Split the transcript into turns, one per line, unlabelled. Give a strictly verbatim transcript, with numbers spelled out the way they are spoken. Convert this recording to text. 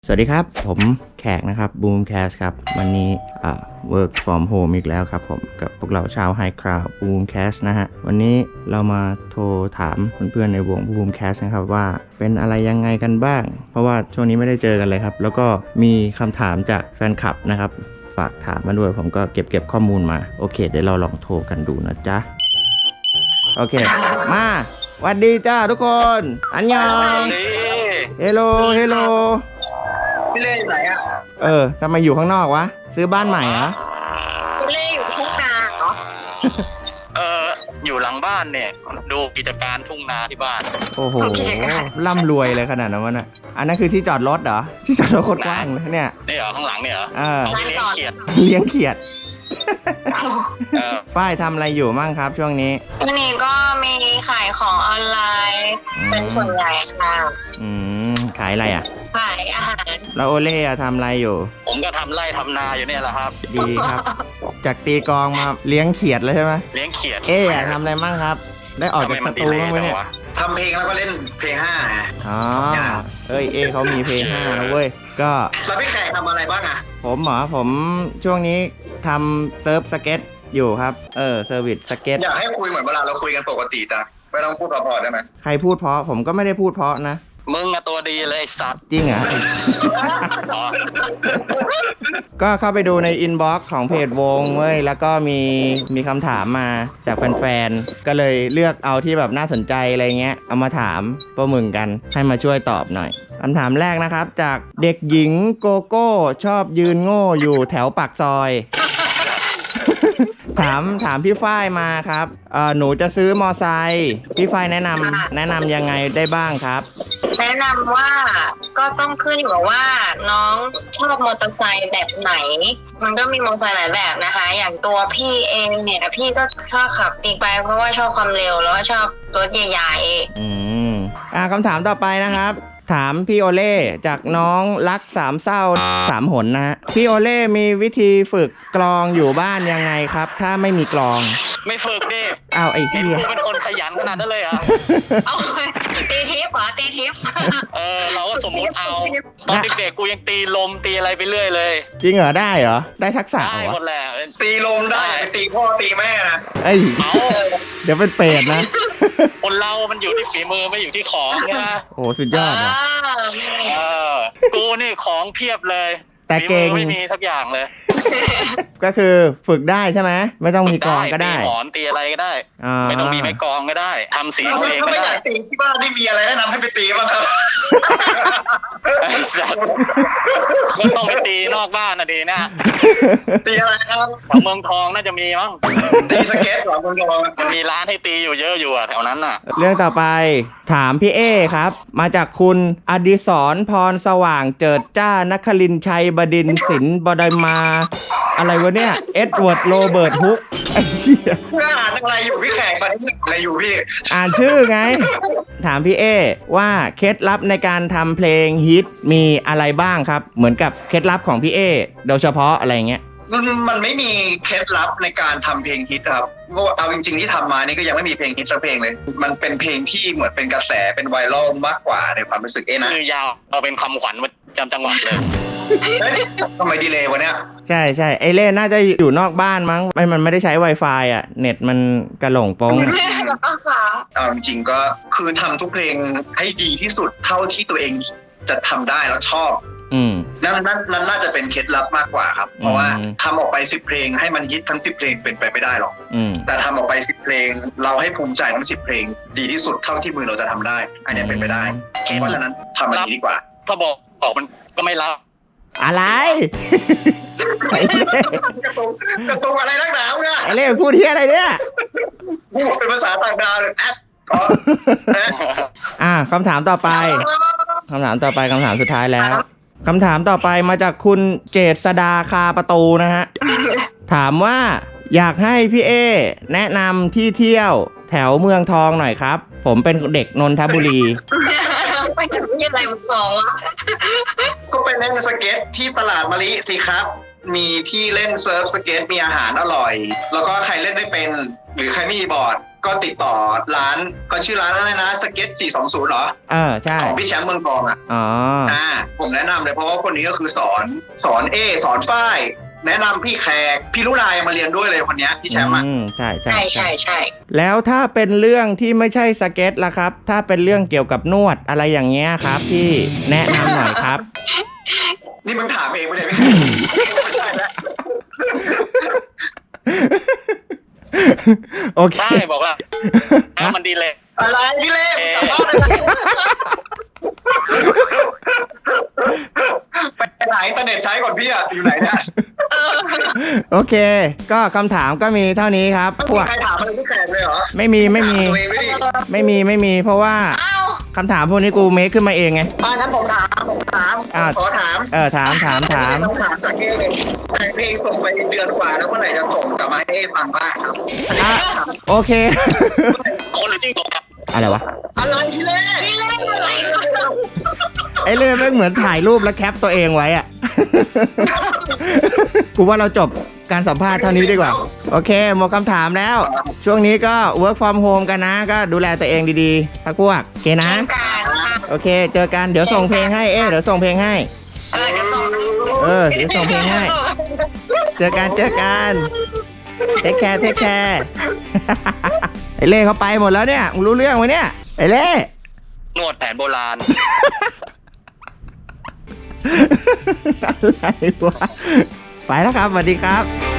สวัสดีครับผมแขกนะครับ Boomcast ครับวันนี้อ่า work from home อีกแล้วครับผมกับพวกเราชาว High Crowd Boomcast นะฮะวันนี้เรามาโทรถามเพื่อนๆในวง Boomcast นะครับว่าเป็นอะไรยังไงกันบ้างเพราะว่าช่วงนี้ไม่ได้เจอกันเลยครับแล้วก็มีคำถามจากแฟนคลับนะครับฝากถามมาด้วยผมก็เก็บเก็บข้อมูลมาโอเคเดี๋ยวเราลองโทรกันดูนะจ๊ะโอเคมาสวัสดีจ้าทุกคนอันยองเฮลโลเฮลโล
พี่เล่อยู่ไหนอ่ะ
เออทำไมอยู่ข้างนอกวะซื้อบ้านใหม่เหรอ
พี่เล่อยู่ทุ่งนาเหรอ
เอออยู่หลังบ้านเนี่ยดูกิจการทุ่งนาที่บ้าน
โอ้โหร่ำรวยเลยขนาดนั้นวะน่ะอันนั้นคือที่จอดรถเหรอที่จอดรถโคตรกว้างเลยเนี่ย
นี่เหรอข้างหลังเนี่ยเหรอ
เออ
เลี้ยงเขียด
เลี้ยงเขียดฝ้ายทำอะไรอยู่มั่งครับช่วงนี้
ช่วงนี้ก็มีขายของออนไลน์เป็นส่วนใหญ่ค่ะ
อืมขายอะไรอ่ะ
ขายอาหาร
แล้วโอเล่ทำอะไรอยู่
ผมก็ทำไร่ทำนาอยู่เนี่ยแหละครับ
ดีครับจากตีกองมาเลี้ยงเขียดเลยใช่ไหม
เลี้ยงเขียด
เอ๊ะทำอะไรมั่งครับได้ออกจากสตูบ้างไหมเนี่ย
ทำเพลงแล้วก็เล่นเพลงห้า
อ๋อเอ้ยเอเขามีเพลงห้านะเว้ยก็
แล้วพี่แขกทำอะไรบ้างอ่ะ
ผมเหรอผมช่วงนี้ทำเซิร์ฟสเก็ตอยู่ครับเออเซอร์วิสสเก็ต
อยากให้คุยเหมือนเวลาเราคุยกันปกติจ้ะไม่ต้องพูดเพราะๆได้ไหม
ใครพูดเพราะผมก็ไม่ได้พูดเพราะนะ
มึงอะตัวดีเลยสัตว์
จริงเหรอ ก็เข้าไปดูในอินบ็อกซ์ของเพจวงเว้ยแล้วก็มีมีคำถามมาจากแฟนๆก็เลยเลือกเอาที่แบบน่าสนใจอะไรเงี้ยเอามาถามพวกมึงกันให้มาช่วยตอบหน่อยคำถามแรกนะครับจากเด็กหญิงโกโก้ชอบยืนโง่อยู่แถวปากซอย ถามถามพี่ฝ้ายมาครับเอ่อหนูจะซื้อมอไซค์พี่ฝ้ายแนะนำแนะนำยังไงได้บ้างครับ
แนะนำว่าก็ต้องขึ้นอยู่กับว่าน้องชอบมอเตอร์ไซค์แบบไหนมันก็มีมอเตอร์ไซค์หลายแบบนะคะอย่างตัวพี่เองเนี่ยพี่ก็ชอบขับบิ๊กไบค์เพราะว่าชอบความเร็วแล้วก็ชอบรถใหญ่ๆ
อืมอ่าคำถามต่อไปนะครับถามพี่โอเล่จากน้องรักสามเศร้าสามหนนะฮะพี่โอเล่มีวิธีฝึกกลองอยู่บ้านยังไงครับถ้าไม่มีกลอง
ไม่ฝึกดิ
อ้าวไอ้เหี้ย
เป็นคนขยันขนาดนั้นเลยเหรอ
เอาตีทิปเหรอตีทิป
เออเราก็สมมุติเอาตอนเด็กๆกูยังตีลมตีอะไรไปเรื่อยเลย
จริงเหรอได้เหรอได้ทักษะ
ได้หมดแหละตีลมได้ไปตีพ่อตีแม่นะ
เอ้ยเดี๋ยวเป็นเปรตนะ
คนเรามันอยู่ที่ฝีมือไม่อยู่ที่ของนะ
โอ้สุดยอดอ่ะ
เออกูนี่ของเพียบเลย
แต่เก่ง
ไม่มีทักอย่างเลย
ก็คือฝึกได้ใช่ไหมไม่ต้องมีกลองก็ได้
ตีหมอนตีอะไรก็ได้ไม่ต้องมีไม้กลองก็ได้ทำสีเองก็ได้ตีที่บ้านนี่มีอะไรแนะนำให้ไปตีบ้างครับก็ต้องไปตีนอกบ้านนะดีนะตีอะไรครับแถวเมืองทองน่าจะมีมั้งตีสเก็ตแถวเมืองทองมันมีร้านให้ตีอยู่เยอะอยู่อะแถวนั้นน่ะ
เรื่องต่อไปถามพี่เอครับมาจากคุณอดิศรพรสว่างเจิดจ้านครินทร์ชัยบดินทร์ศิลป์บดอยมาอะไรวะเนี่ยเอ็ดเวิร์ดโรเบิร์ตฮุกไอ้เชี่ย
เพื่ออ่านอะไรอยู่พี่แขกตอนนี้อะไรอยู่พี่
อ่านชื่อไงถามพี่เอว่าเคล็ดลับในการทำเพลงฮิตมีอะไรบ้างครับเหมือนกับเคล็ดลับของพี่เอโดยเฉพาะอะไรเงี้ย
มันมันไม่มีเคล็ดลับในการทำเพลงฮิตครับเพราะเอาจริงๆที่ทำมานี่ก็ยังไม่มีเพลงฮิตสักเพลงเลยมันเป็นเพลงที่เหมือนเป็นกระแสเป็นไวรัลมากกว่าในความรู้สึกเอ๊ะนะคือยาวเอาเป็นคำขวัญประจำจังหวัดเลยทำไมดีเลย์วะเนี่ย
ใช่ใช่ไอเล่น่าจะอยู่นอกบ้านมั้งมันมันไม่ได้ใช้ Wi-Fi อ่ะเน็ตมันกระหล่งโป้ง
เอาจริงๆก็คือทำทุกเพลงให้ดีที่สุดเท่าที่ตัวเองจะทำได้แล้วชอบ
อืม
นั่นนั่นนั่นน่าจะเป็นเคล็ดลับมากกว่าครับเพราะว่าทำออกไปสิบเพลงให้มันฮิตทั้งสิบเพลงเป็นไปไม่ได้หรอกแต่ทำออกไปสิบเพลงเราให้ภูมิใจทั้งสิบเพลงดีที่สุดเท่าที่มือเราจะทำได้อันนี้เป็นไปได้เพราะฉะนั้นทำแบบนี้ดีกว่าถ้าบอกออกมันก็ไม่รับ
อะไร
กระตุกกระตุกอะไรนักหนาวเนี่ย
ไอเล่พูดที่อะไรเนี่ย
พูดเป็นภาษาต่างดาวเลยแอด
อ่าคำถามต่อไปคำถามต่อไปคำถามสุดท้ายแล้วคำถามต่อไปมาจากคุณเจษดาคาประตูนะฮะถามว่าอยากให้พี่เอแนะนำที่เที่ยวแถวเมืองทองหน่อยครับผมเป็นเด็กนนทบุรี
ไปถึงที่อะไรเมืองทองวะ
ก็ไปเล่นสเก็ตที่ตลาดมะลิสิครับมีที่เล่นเซิร์ฟสเก็ตมีอาหารอร่อยแล้วก็ใครเล่นไม่เป็นหรือใครไม่มีบอร์ดก็ติดต่อร้านก็ชื่อร้านอะไรนะสเก็ตสี่สองศูนย์เหรอ
เออใช่
ของพี่แชมป์เมืองทองอ่ะ
อ๋อ
อ่าผมแนะนำเลยเพราะว่าคนนี้ก็คือสอนสอนเอสอนฝ้ายแนะนำพี่แขกพี่ลุลายมาเรียนด้วยเลยคนนี้พี่แชมป์อ่ะ
ใช่ใช่
ใช่ใช่ใช่
แล้วถ้าเป็นเรื่องที่ไม่ใช่สเก็ตล่ะครับถ้าเป็นเรื่องเกี่ยวกับนวดอะไรอย่างเงี้ยครับพี่แนะนำหน่อยครับ
นี่มึงถามเองไม่ได้ไม่ใช่แล้ว
โอเค
ใช่บอกว่ามันดีเลย
อะไรพี่เล่กลับบ้านเลยไปไหนอินเทอร์เน็ตใช้ก่อนพี่อะอยู่ไหนเนี่ย
โอเคก็คำถามก็มีเท่านี้ครับ
พวกใครถามอะไรพี่แขกเลยเหรอ
ไม่มีไม่มีไม่มีไม่มีเพราะว่าคำถามพวกนี้กูเมคขึ้นมาเองไง
อ่านั้นผมถามผมถามขอถาม
เออถามถามถาม
ถามจากเอเลยแต่เพลงส่งไปเดือนกว่าแล้วเมื่อไหร่จะส่งกลับมาให้เอฟังบ้างครับ
โอเค
คนหรือจริงตกครับ
อะไรวะ
อะไรพี่เล่พี่เล่อะไร
ไอ้เล่แม่งเหมือนถ่ายรูปแล้วแคปตัวเองไว้อะกูว่าเราจบการสัมภาษณ์เท่านี้ดีกว่าโอเคหมดคำถามแล้วช่วงนี้ก็ work from home กันนะก็ดูแลตัวเองดีๆพักพวกโอเคนะโอเคเจอกันเดี๋ยวส่งเพลงให้เอ๊ะเดี๋ยวส่งเพลงให้เออเดี๋ยวส่งเพลงให้เจอกันเจอกันเทคแคร์เทคแคร์ไอ้เล่เขาไปหมดแล้วเนี่ยมึงรู้เรื่องไหมเนี่ยไอ้เล่
นวดแผนโบราณ
อะไรวะไปแล้วครับสวัสดีครับ